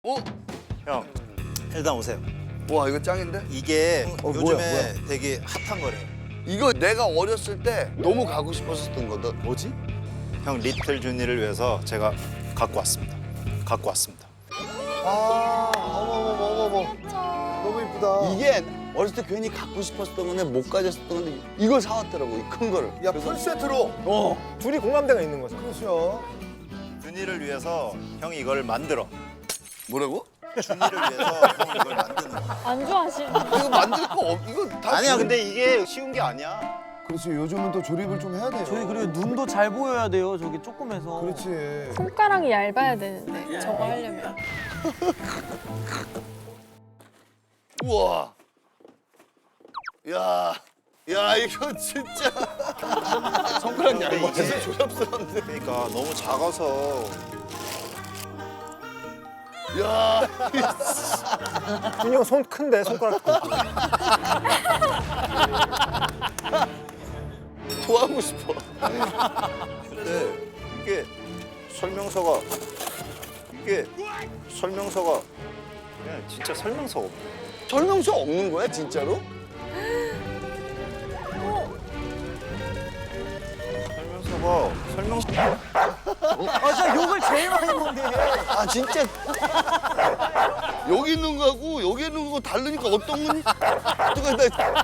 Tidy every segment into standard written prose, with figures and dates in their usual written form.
어? 형, 일단 오세요. 와 이거 짱인데? 이게 요즘에 뭐야? 되게 핫한 거래요. 이거 내가 어렸을 때 너무 가고 싶었었던 거다. 뭐지? 형 리틀 준이를 위해서 제가 갖고 왔습니다. 아, 어머머머머머. 너무 이쁘다. 이게 어렸을 때 괜히 갖고 싶었던 건데 못 가졌었던 건데 이걸 사왔더라고, 이 큰 거를. 야, 풀세트로. 둘이 공감대가 있는 거죠. 그렇죠. 준이를 위해서 형이 이걸 만들어. 뭐라고? 준이를 위해서 형이 이걸 만드는 거. 안 좋아하시는 이거 만들 거 이거 다 아니야, 근데 이게 쉬운 게 아니야. 그렇지. 요즘은 또 조립을 좀 해야 돼요. 저희 그리고 눈도 잘 보여야 돼요. 저기 조금해서. 그렇지. 손가락이 얇아야 되는데 저거 하려면 우와. 야, 야 이거 진짜 손가락 얇아서 조잡스러운데. 그러니까 너무 작아서. 야, 준이 형 손 큰데 손가락. 토하고 싶어. 근데 이게 설명서가 그냥 진짜 설명서가 없네. 설명서 없는 거야 진짜로? 설명서 아, 저 욕을 제일 많이 먹네. 아 진짜 여기 있는 거하고 여기 있는 거하고 다르니까 어떤 건 누가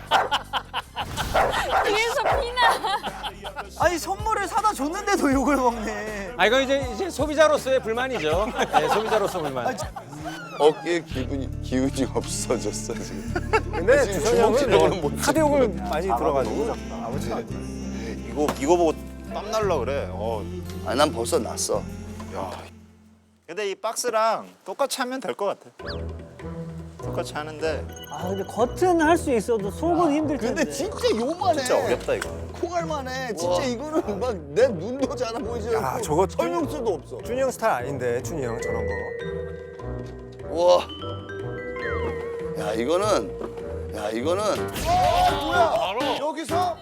뒤에서 피나. 아니, 선물을 사다 줬는데도 욕을 먹네. 아 이거 이제 소비자로서의 불만이죠. 네, 소비자로서 불만. 어깨에 기운이 없어졌어 지금. 근데 지금 주선이 형은 주먹질로는 못 뭐 카드욕을 많이 들어가지고. 아버지. 이거 보고 땀 날라 그래. 아 난 벌써 났어. 야. 근데 이 박스랑 똑같이 하면 될 것 같아. 똑같이 하는데 아, 근데 겉은 할 수 있어도 속은 힘들 텐데. 근데 진짜 요만해. 진짜 어렵다 이거. 콩알만해. 진짜 이거는 막 내 눈도 잘 안 보이지 야, 않고 저거 설명서도 없어. 준이 형 스타일 아닌데, 준이 형 저런 거. 우와. 야 이거는. 여기서?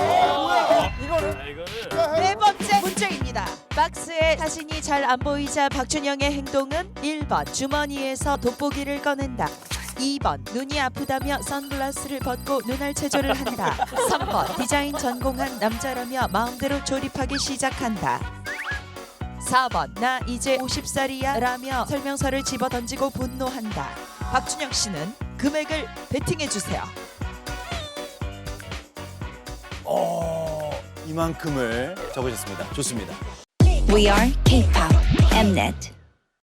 네 번째 문제입니다. 박스에 자신이 잘 안 보이자 박준영의 행동은 1번 주머니에서 돋보기를 꺼낸다. 2번 눈이 아프다며 선글라스를 벗고 눈알 체조를 한다. 3번 디자인 전공한 남자라며 마음대로 조립하기 시작한다. 4번 나 이제 50살이야 라며 설명서를 집어던지고 분노한다. 박준영 씨는 금액을 베팅해 주세요. 이만큼을 적으셨습니다. 좋습니다. We are K-pop Mnet.